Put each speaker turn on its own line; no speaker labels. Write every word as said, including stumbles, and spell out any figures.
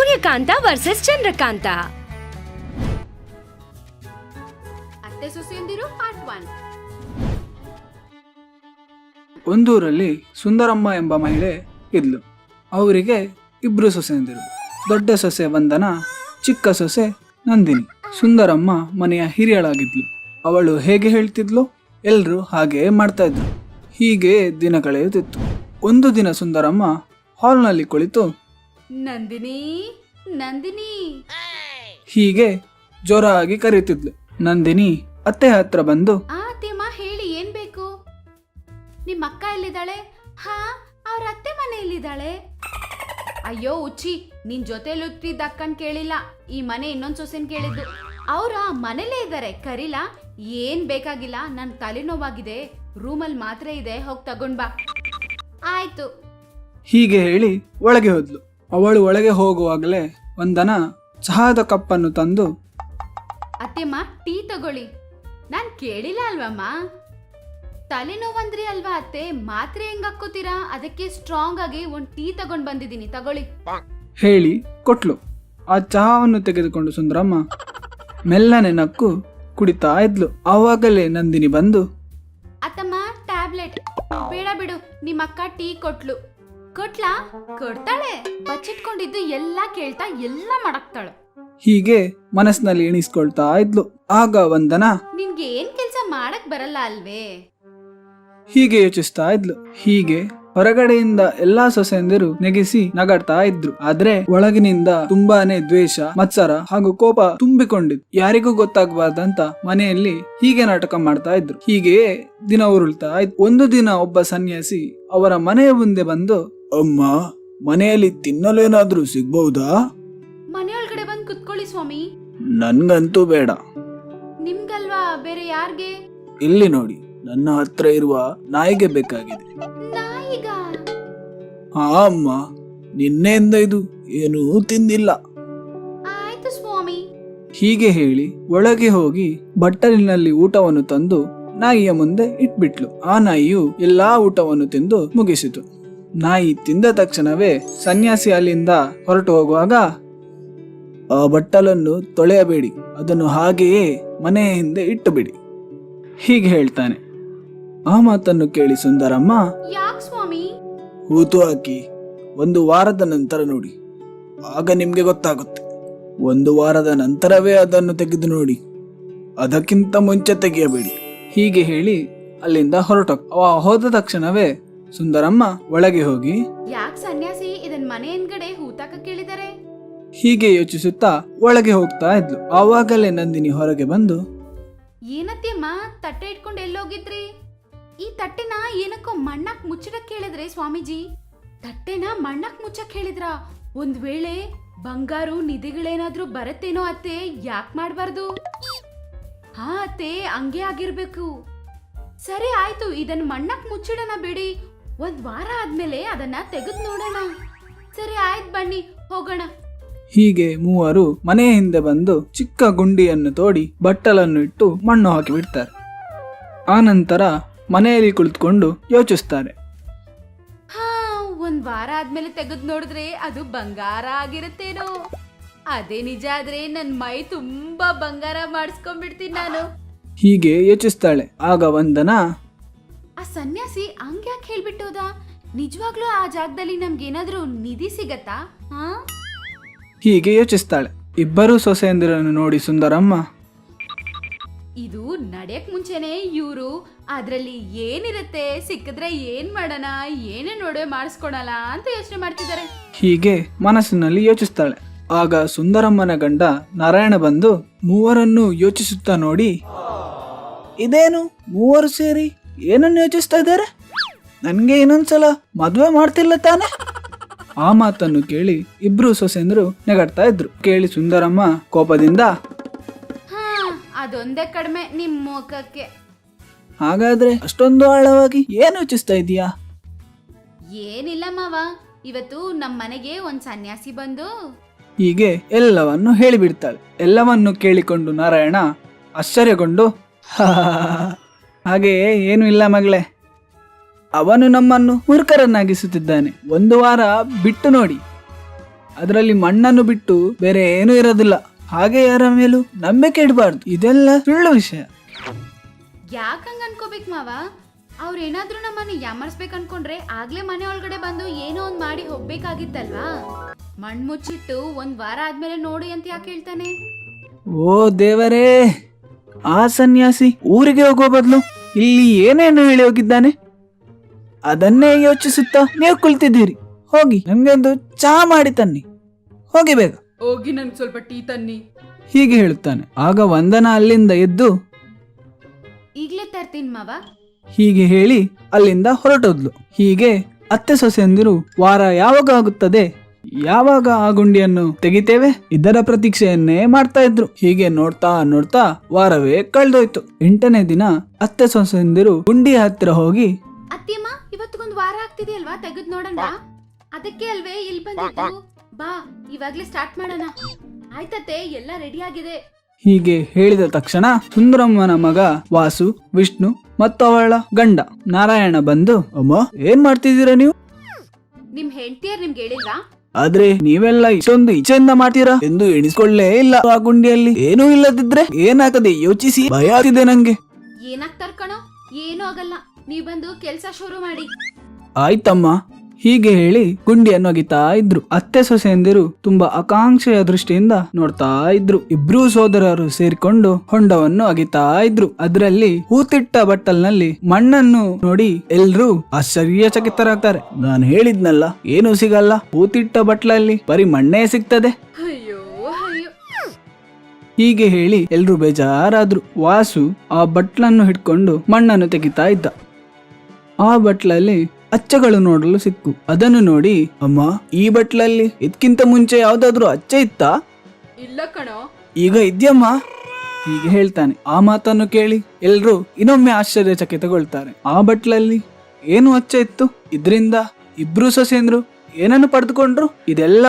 ಸೂರ್ಯಕಾಂತ versus Chandrakantha.
ಅತ್ತೆ ಸೊಸೆಯಂದಿರು part one.
ಒಂದೂರಲ್ಲಿ ಸುಂದರಮ್ಮ ಎಂಬ ಮಹಿಳೆ ಇದ್ಲು. ಅವರಿಗೆ ಇಬ್ರು ಸೊಸೆಯಂದಿರು. ದೊಡ್ಡ ಸೊಸೆ ವಂದನ, ಚಿಕ್ಕ ಸೊಸೆ ನಂದಿನಿ. ಸುಂದರಮ್ಮ ಮನೆಯ ಹಿರಿಯಳಾಗಿದ್ಲು. ಅವಳು ಹೇಗೆ ಹೇಳ್ತಿದ್ಲು, ಎಲ್ರು ಹಾಗೆ ಮಾಡ್ತಾ ಇದ್ರು. ಹೀಗೆ ದಿನ ಕಳೆಯುತ್ತಿತ್ತು. ಒಂದು ದಿನ ಸುಂದರಮ್ಮ ಹಾಲ್ನಲ್ಲಿ ಕುಳಿತು
ನಂದಿನಿ ನಂದಿನಿ
ಹೀಗೆ ಜೋರಾಗಿ ಕರೆಯುತ್ತಿದ್ಲು. ನಂದಿನಿ ಅತ್ತೆ ಹತ್ರ ಬಂದು,
ಆ ಅತ್ತೆಮ್ಮ ಹೇಳಿ ಏನ್ ಬೇಕು? ನಿಮ್ಮ ಅಕ್ಕ ಎಲ್ಲಿದ್ದಾಳೆ? ಹಾ, ಅವ್ರ ಅತ್ತೆ ಮನೆಯಲ್ಲಿದ್ದಾಳೆ. ಅಯ್ಯೋ ಉಚ್ಚಿ, ನಿನ್ ಜೊತೆಲಿದ್ದ ಅಕ್ಕನ್ ಕೇಳಿಲ್ಲ, ಈ ಮನೆ ಇನ್ನೊಂದ್ ಸೊಸೆನ್ ಕೇಳಿದ್ದು. ಅವ್ರ ಮನೇಲೇ ಇದ್ದಾರೆ, ಕರೀಲಾ? ಏನ್ ಬೇಕಾಗಿಲ್ಲ, ನನ್ ತಲೆನೋವಾಗಿದೆ, ರೂಮಲ್ಲಿ ಮಾತ್ರೆ ಇದೆ, ಹೋಗ್ ತಗೊಂಡ್ ಬಾ. ಆಯ್ತು.
ಹೀಗೆ ಹೇಳಿ ಒಳಗೆ ಹೋದ್ಲು. ಅವಳು ಒಳಗೆ ಹೋಗುವಾಗಲೇ ವಂದನ ಚಹಾದ ಕಪ್ಪನ್ನು ತಂದು,
ಅತ್ತೆಮ್ಮ ಟೀ ತಗೊಳ್ಳಿ. ನಾನ್ ಕೇಳಿಲ್ಲ ಅಲ್ವಮ್ಮ? ತಲೆನೋವಂದ್ರಿ ಅಲ್ವಾ ಅತ್ತೆ, ಮಾತ್ರೆ ಹೆಂಗ್ ಹಾಕೋತೀರಾ? ಅದಕ್ಕೆ ಸ್ಟ್ರಾಂಗ್ ಆಗಿ ಒಂದ್ ಟೀ ತಗೊಂಡ್ ಬಂದಿದ್ದೀನಿ, ತಗೊಳ್ಳಿ
ಹೇಳಿ ಕೊಟ್ಲು. ಆ ಚಹಾವನ್ನು ತೆಗೆದುಕೊಂಡು ಸುಂದರಮ್ಮ ಮೆಲ್ಲನೆ ನಕ್ಕು ಕುಡಿತಾ ಇದ್ಲು. ಆವಾಗಲೇ ನಂದಿನಿ ಬಂದು,
ಅತ್ತಮ್ಮ ಟ್ಯಾಬ್ಲೆಟ್ ಬೇಡ ಬಿಡು, ನಿಮ್ಮ ಅಕ್ಕ ಟೀ ಕೊಟ್ಲು. ಕೊಟ್ಲಾ? ಕೊಡ್ತಾಳೆ. ಬಚ್ಚಿಟ್ಕೊಂಡಿದ್ದು ಎಲ್ಲಾ ಕೇಳ್ತಾ ಎಲ್ಲ ಮಾಡಕ್ತಾಳೆ.
ಹೀಗೆ ಮನಸ್ಸಿನಲ್ಲಿ ಎಣಿಸ್ಕೊಳ್ತಾ ಇದ್ಲು. ಆಗ ವಂದನ,
ನಿನ್ಗೆ ಏನ್ ಕೆಲ್ಸ ಮಾಡಕ್ ಬರಲ್ಲ ಅಲ್ವೇ?
ಹೀಗೆ ಯೋಚಿಸ್ತಾ ಇದ್ಲು. ಹೀಗೆ ಹೊರಗಡೆಯಿಂದ ಎಲ್ಲಾ ಸೊಸೆಯಂದಿರು ನೆಗೆಸಿ ನಗಾಡ್ತಾ ಇದ್ರು. ಆದ್ರೆ ಒಳಗಿನಿಂದ ತುಂಬಾನೇ ದ್ವೇಷ, ಮತ್ಸರ ಹಾಗೂ ಕೋಪ ತುಂಬಿಕೊಂಡಿದ್ದು. ಯಾರಿಗೂ ಗೊತ್ತಾಗಬಾರ್ದಂತ ಮನೆಯಲ್ಲಿ ಹೀಗೆ ನಾಟಕ ಮಾಡ್ತಾ ಇದ್ರು. ಹೀಗೆಯೇ ದಿನ ಉರುಳ್ತಾ ಇತ್ತು. ಒಂದು ದಿನ ಒಬ್ಬ ಸನ್ಯಾಸಿ ಅವರ ಮನೆಯ ಮುಂದೆ ಬಂದು, ಅಮ್ಮ, ಮನೆಯಲ್ಲಿ ತಿನ್ನಲು ಏನಾದ್ರೂ ಸಿಗ್ಬಹುದಾ?
ಮನೆಯೊಳಗಡೆ ಬಂದ್ ಕುತ್ಕೊಳ್ಳಿ ಸ್ವಾಮಿ.
ನನ್ಗಂತೂ ಬೇಡ.
ನಿಮ್ಗಲ್ವಾ, ಬೇರೆ ಯಾರ್ಗೆ?
ಇಲ್ಲಿ ನೋಡಿ, ನನ್ನ ಹತ್ರ ಇರುವ ನಾಯಿಗೆ ಬೇಕಾಗಿದೆ.
ನಾಯಿಗ?
ಹಾ ಅಮ್ಮ, ನಿನ್ನೆಯಿಂದ ಇದು ಏನೂ ತಿಂದಿಲ್ಲ.
ಆಯ್ತು ಸ್ವಾಮಿ.
ಹೀಗೆ ಹೇಳಿ ಒಳಗೆ ಹೋಗಿ ಬಟ್ಟಲಿನಲ್ಲಿ ಊಟವನ್ನು ತಂದು ನಾಯಿಯ ಮುಂದೆ ಇಟ್ಬಿಟ್ಲು. ಆ ನಾಯಿಯು ಎಲ್ಲಾ ಊಟವನ್ನು ತಿಂದು ಮುಗಿಸಿತು. ನಾಯಿ ತಿಂದ ತಕ್ಷಣವೇ ಸನ್ಯಾಸಿ ಅಲ್ಲಿಂದ ಹೊರಟು ಹೋಗುವಾಗ, ಆ ಬಟ್ಟಲನ್ನು ತೊಳೆಯಬೇಡಿ, ಅದನ್ನು ಹಾಗೆಯೇ ಮನೆಯ ಹಿಂದೆ ಇಟ್ಟು ಬಿಡಿ, ಹೀಗೆ ಹೇಳ್ತಾನೆ. ಆ ಮಾತನ್ನು ಕೇಳಿ ಸುಂದರಮ್ಮ,
ಯಾಕ್ ಸ್ವಾಮಿ?
ಹೂತು ಹಾಕಿ ಒಂದು ವಾರದ ನಂತರ ನೋಡಿ, ಆಗ ನಿಮ್ಗೆ ಗೊತ್ತಾಗುತ್ತೆ. ಒಂದು ವಾರದ ನಂತರವೇ ಅದನ್ನು ತೆಗೆದು ನೋಡಿ, ಅದಕ್ಕಿಂತ ಮುಂಚೆ ತೆಗೆಯಬೇಡಿ, ಹೀಗೆ ಹೇಳಿ ಅಲ್ಲಿಂದ ಹೊರಟ. ಅವ ಹೋದ ತಕ್ಷಣವೇ ಸುಂದರಮ್ಮ ಒಳಗೆ ಹೋಗಿ,
ಯಾಕ್ ಸನ್ಯಾಸಿ ಇದನ್ ಮನೆ ಹಿಂದ್ಗಡೆ ಹೂತಾಕ ಕೇಳಿದಾರೆ?
ಹೀಗೆ ಯೋಚಿಸುತ್ತಾ ಒಳಗೆ ಹೋಗ್ತಾ ಇದ್ಲು. ಆವಾಗಲೇ ನಂದಿನಿ ಹೊರಗೆ ಬಂದು,
ಏನತ್ತೆಮ್ಮ ತಟ್ಟೆ ಇಟ್ಕೊಂಡು ಎಲ್ಲೋಗಿದ್ರಿ? ಈ ತಟ್ಟೆನ ಏನಕ್ಕೋ ಮಣ್ಣಾಕ್ ಮುಚ್ಚಡಕ್ ಕೇಳಿದ್ರೆ ಸ್ವಾಮೀಜಿ? ತಟ್ಟೆನ ಮಣ್ಣಾಕ್ ಮುಚ್ಚಕ್ ಹೇಳಿದ್ರ? ಒಂದ್ ವೇಳೆ ಬಂಗಾರು ನಿಧಿಗಳೇನಾದ್ರೂ ಬರತ್ತೇನೋ ಅತ್ತೆ, ಯಾಕ್ ಮಾಡ್ಬಾರ್ದು? ಹಾ ಅತ್ತೆ, ಹಂಗೆ ಆಗಿರ್ಬೇಕು. ಸರಿ ಆಯ್ತು, ಇದನ್ ಮಣ್ಣಾಕ್ ಮುಚ್ಚಿಡೋಣ ಬಿಡಿ. ಒಂದ್ ವಾರ ಆದ್ಮೇಲೆ ಅದನ್ನ ತೆಗೆದ್ ನೋಡೋಣ. ಸರಿ ಆಯ್ತು, ಬನ್ನಿ ಹೋಗೋಣ.
ಹೀಗೆ ಮೂವರು ಮನೆಯ ಹಿಂದೆ ಬಂದು ಚಿಕ್ಕ ಗುಂಡಿಯನ್ನು ತೋಡಿ ಬಟ್ಟಲನ್ನು ಇಟ್ಟು ಮಣ್ಣು ಹಾಕಿ ಬಿಡ್ತಾರೆ. ಆ ನಂತರ ಮನೆಯಲ್ಲಿ ಕುಳಿತುಕೊಂಡು ಯೋಚಿಸ್ತಾರೆ.
ಹಾ, ಒಂದ್ ವಾರ ಆದ್ಮೇಲೆ ತೆಗೆದ್ ನೋಡಿದ್ರೆ ಅದು ಬಂಗಾರ ಆಗಿರುತ್ತೇನೋ? ಅದೇ ನಿಜ ಆದ್ರೆ ನನ್ ಮೈ ತುಂಬಾ ಬಂಗಾರ ಮಾಡಿಸ್ಕೊಂಡ್ಬಿಡ್ತೀನಿ ನಾನು.
ಹೀಗೆ ಯೋಚಿಸ್ತಾಳೆ. ಆಗ ವಂದನ,
ಆ ಸನ್ಯಾಸಿ ಹಂಗ್ಯಾಕ್ ಹೇಳ್ಬಿಟ್ಟೋದ? ನಿಜವಾಗ್ಲೂ ಆ ಜಾಗದಲ್ಲಿ ನಮ್ಗೇನಾದ್ರೂ ನಿಧಿ ಸಿಗತ್ತಾ? ಹಾ,
ಹೀಗೆ ಯೋಚಿಸ್ತಾಳೆ. ಇಬ್ಬರು ಸೊಸೆಯಂದಿರನ್ನು ನೋಡಿ ಸುಂದರಮ್ಮ,
ಇದು ನಡೆಯಕ್ ಮುಂಚೆನೆ ಇವ್ರು ಅದ್ರಲ್ಲಿ ಏನಿರುತ್ತೆ, ಸಿಕ್ಕಿದ್ರೆ ಏನ್ ಮಾಡೋಣ, ಏನೇ ನೋಡುವೆ ಮಾಡಿಸ್ಕೊಳಲ್ಲ ಅಂತ ಯೋಚನೆ ಮಾಡ್ತಿದ್ದಾರೆ.
ಹೀಗೆ ಮನಸ್ಸಿನಲ್ಲಿ ಯೋಚಿಸ್ತಾಳೆ. ಆಗ ಸುಂದರಮ್ಮನ ಗಂಡ ನಾರಾಯಣ ಬಂದು ಮೂವರನ್ನು ಯೋಚಿಸುತ್ತಾ ನೋಡಿ, ಇದೇನು ಮೂವರು ಸೇರಿ ಏನನ್ನು ಯೋಚಿಸ್ತಾ ಇದ್ದಾರೆ? ನನ್ಗೆ ಇನ್ನೊಂದ್ಸಲ ಮದ್ವೆ ಮಾಡ್ತಿಲ್ಲ ತಾನೆ? ಆ ಮಾತನ್ನು ಕೇಳಿ ಇಬ್ರು ಸೊಸೆಂದ್ರು ನೆಗಡ್ತಾ ಇದ್ರು. ಕೇಳಿ ಸುಂದರಮ್ಮ ಕೋಪದಿಂದ,
ಹಾ, ಅದೊಂದೇ ಕಡಿಮೆ ನಿಮ್ ಮುಖಕ್ಕೆ.
ಹಾಗಾದ್ರೆ ಅಷ್ಟೊಂದು ಆಳವಾಗಿ ಏನು ಯೋಚಿಸ್ತಾ ಇದೀಯಾ?
ಏನಿಲ್ಲ ಮಾವ, ಇವತ್ತು ನಮ್ ಮನೆಗೆ ಒಂದ್ ಸನ್ಯಾಸಿ ಬಂದು
ಹೀಗೆ ಎಲ್ಲವನ್ನು ಹೇಳಿಬಿಡ್ತಾಳೆ. ಎಲ್ಲವನ್ನು ಕೇಳಿಕೊಂಡು ನಾರಾಯಣ ಆಶ್ಚರ್ಯಗೊಂಡು, ಹಾಗೆಯೇ ಏನು ಇಲ್ಲ ಮಗಳೇ, ಅವನು ನಮ್ಮನ್ನು ಮೂರ್ಖರನ್ನಾಗಿಸುತ್ತಿದ್ದಾನೆ. ಒಂದು ವಾರ ಬಿಟ್ಟು ನೋಡಿ, ಅದರಲ್ಲಿ ಮಣ್ಣನ್ನು ಬಿಟ್ಟು ಬೇರೆ ಏನೂ ಇರೋದಿಲ್ಲ. ಹಾಗೆ ಯಾರ ಮೇಲೂ ನಂಬಿಕೆ ಇಡಬಾರ್ದು. ಇದೆಲ್ಲ ಸುಳ್ಳು ವಿಷಯ.
ಯಾಕಂಗ ಅನ್ಕೋಬೇಕು ಮಾವ? ಅವ್ರ ಏನಾದ್ರೂ ನಮ್ಮನ್ನ ಯಾಮರ್ಸ್ಬೇಕು ಅನ್ಕೊಂಡ್ರೆ ಆಗ್ಲೇ ಮನೆ ಒಳಗಡೆ ಬಂದು ಏನೋ ಒಂದ್ ಮಾಡಿ ಹೋಗ್ಬೇಕಾಗಿತ್ತಲ್ವಾ? ಮಣ್ ಮುಚ್ಚಿಟ್ಟು ಒಂದ್ ವಾರ ಆದ್ಮೇಲೆ ನೋಡಿ ಅಂತ ಯಾಕೆ ಹೇಳ್ತಾನೆ?
ಓ ದೇವರೇ, ಆ ಸನ್ಯಾಸಿ ಊರಿಗೆ ಹೋಗೋ ಬದಲು ಇಲ್ಲಿ ಏನೇನು ಹೇಳಿ ಹೋಗಿದ್ದಾನೆ ಅದನ್ನೇ ಯೋಚಿಸುತ್ತಾ ನೀವು ಕುಳಿತಿದ್ದೀರಿ. ಹೋಗಿ ನಮ್ಗೆ ಒಂದು ಚಹಾ ಮಾಡಿ ತನ್ನಿ, ಹೋಗಿ ಬೇಗ.
ಹೋಗಿ ನನ್ಗೆ ಸ್ವಲ್ಪ ಟೀ ತನ್ನಿ.
ಹೀಗೆ ಹೇಳುತ್ತಾನೆ. ಆಗ ವಂದನಾ ಅಲ್ಲಿಂದ ಎದ್ದು
ಈಗ್ಲೇ ತರ್ತೀನಿ ಮಾವ.
ಹೀಗೆ ಹೇಳಿ ಅಲ್ಲಿಂದ ಹೊರಟೋದ್ಲು. ಹೀಗೆ ಅತ್ತೆ ಸೊಸೆಯಂದಿರು ವಾರ ಯಾವಾಗ ಆಗುತ್ತದೆ, ಯಾವಾಗ ಆ ಗುಂಡಿಯನ್ನು ತೆಗಿತೇವೆ, ಇದರ ಪ್ರತೀಕ್ಷೆಯನ್ನೇ ಮಾಡ್ತಾ ಇದ್ರು. ಹೀಗೆ ನೋಡ್ತಾ ನೋಡ್ತಾ ವಾರವೇ ಕಳೆದೋಯ್ತು. ಎಂಟನೇ ದಿನ ಅತ್ತೆ ಸೊಸೆಯಂದಿರು ಗುಂಡಿ ಹತ್ತಿರ ಹೋಗಿ,
ಅತ್ತಿಯಮ್ಮ ಇವತ್ತಿಗೊಂದು ವಾರ ಆಗ್ತಿದೆಯಲ್ವಾ, ತೆಗೆದ್ ನೋಡೋಣ. ಅದಕ್ಕೆ ಅಲ್ವೇ ಇಲ್ಲಿ ಬಂದಿದ್ದು. ಬಾ ಇವಾಗ್ಲೇ ಸ್ಟಾರ್ಟ್ ಮಾಡೋಣ. ಆಯ್ತತ್ತೆ, ಎಲ್ಲ ರೆಡಿ ಆಗಿದೆ.
ಹೀಗೆ ಹೇಳಿದ ತಕ್ಷಣ ಸುಂದರಮ್ಮನ ಮಗ ವಾಸು, ವಿಷ್ಣು ಮತ್ತು ಅವಳ ಗಂಡ ನಾರಾಯಣ ಬಂದು, ಅಮ್ಮ ಏನ್ ಮಾಡ್ತಿದ್ದೀರಾ ನೀವು?
ನಿಮ್ ಹೆಂಡತಿಯರ್ ನಿಮ್ಗೆ ಹೇಳಿಲ್ವಾ?
ಆದ್ರೆ ನೀವೆಲ್ಲ ಇಷ್ಟೊಂದು ಇಚ್ಛೆಯಿಂದ ಮಾಡ್ತೀರಾ ಎಂದು ಎಣಿಸ್ಕೊಳ್ಳೇ ಇಲ್ಲ. ಆ ಗುಂಡಿಯಲ್ಲಿ ಏನೂ ಇಲ್ಲದಿದ್ರೆ ಏನಾಗದೆ ಯೋಚಿಸಿ ಭಯ ಆಗ್ತಿದೆ ನಂಗೆ.
ಏನಾಗ್ತಾರ ಕಣೋ, ಏನೂ ಆಗಲ್ಲ. ನೀವ್ ಬಂದು ಕೆಲ್ಸ ಶುರು ಮಾಡಿ.
ಆಯ್ತಮ್ಮ. ಹೀಗೆ ಹೇಳಿ ಗುಂಡಿಯನ್ನು ಅಗಿತಾ ಇದ್ರು. ಅತ್ತೆ ಸೊಸೆಯಂದಿರು ತುಂಬಾ ಆಕಾಂಕ್ಷೆಯ ದೃಷ್ಟಿಯಿಂದ ನೋಡ್ತಾ ಇದ್ರು. ಇಬ್ರೂ ಸೋದರರು ಸೇರಿಕೊಂಡು ಹೊಂಡವನ್ನು ಅಗಿತಾ ಇದ್ರು. ಅದರಲ್ಲಿ ಹೂತಿಟ್ಟ ಬಟ್ಟಲ್ನಲ್ಲಿ ಮಣ್ಣನ್ನು ನೋಡಿ ಎಲ್ರೂ ಆಶ್ಚರ್ಯಚಕಿತರಾಗ್ತಾರೆ. ನಾನು ಹೇಳಿದ್ನಲ್ಲ, ಏನು ಸಿಗಲ್ಲ, ಹೂತಿಟ್ಟ ಬಟ್ಲಲ್ಲಿ ಬರೀ ಮಣ್ಣೇ ಸಿಗ್ತದೆ.
ಅಯ್ಯೋ ಅಯ್ಯೋ.
ಹೀಗೆ ಹೇಳಿ ಎಲ್ರೂ ಬೇಜಾರಾದ್ರು. ವಾಸು ಆ ಬಟ್ಲನ್ನು ಹಿಡ್ಕೊಂಡು ಮಣ್ಣನ್ನು ತೆಗಿತಾ ಇದ್ದ. ಆ ಬಟ್ಲಲ್ಲಿ ಅಚ್ಚಗಳು ನೋಡಲು ಸಿಕ್ಕು. ಅದನ್ನು ನೋಡಿ, ಅಮ್ಮ ಈ ಬಟ್ಲಲ್ಲಿ ಇದಕ್ಕಿಂತ ಮುಂಚೆ ಯಾವ್ದಾದ್ರು ಅಚ್ಚೆ ಇತ್ತಾ?
ಇಲ್ಲ ಕಣೋ.
ಈಗ ಇದ್ಯಮ್ಮ. ಹೀಗೆ ಹೇಳ್ತಾನೆ. ಆ ಮಾತನ್ನು ಕೇಳಿ ಎಲ್ರೂ ಇನ್ನೊಮ್ಮೆ ಆಶ್ಚರ್ಯಚಕಿತಗೊಳ್ತಾರೆ. ಆ ಬಟ್ಲಲ್ಲಿ ಏನು ಅಚ್ಚೆ ಇತ್ತು? ಇದ್ರಿಂದ ಇಬ್ರು ಸೊಸೆಂದ್ರು ಏನನ್ನು ಪಡೆದುಕೊಂಡ್ರು? ಇದೆಲ್ಲ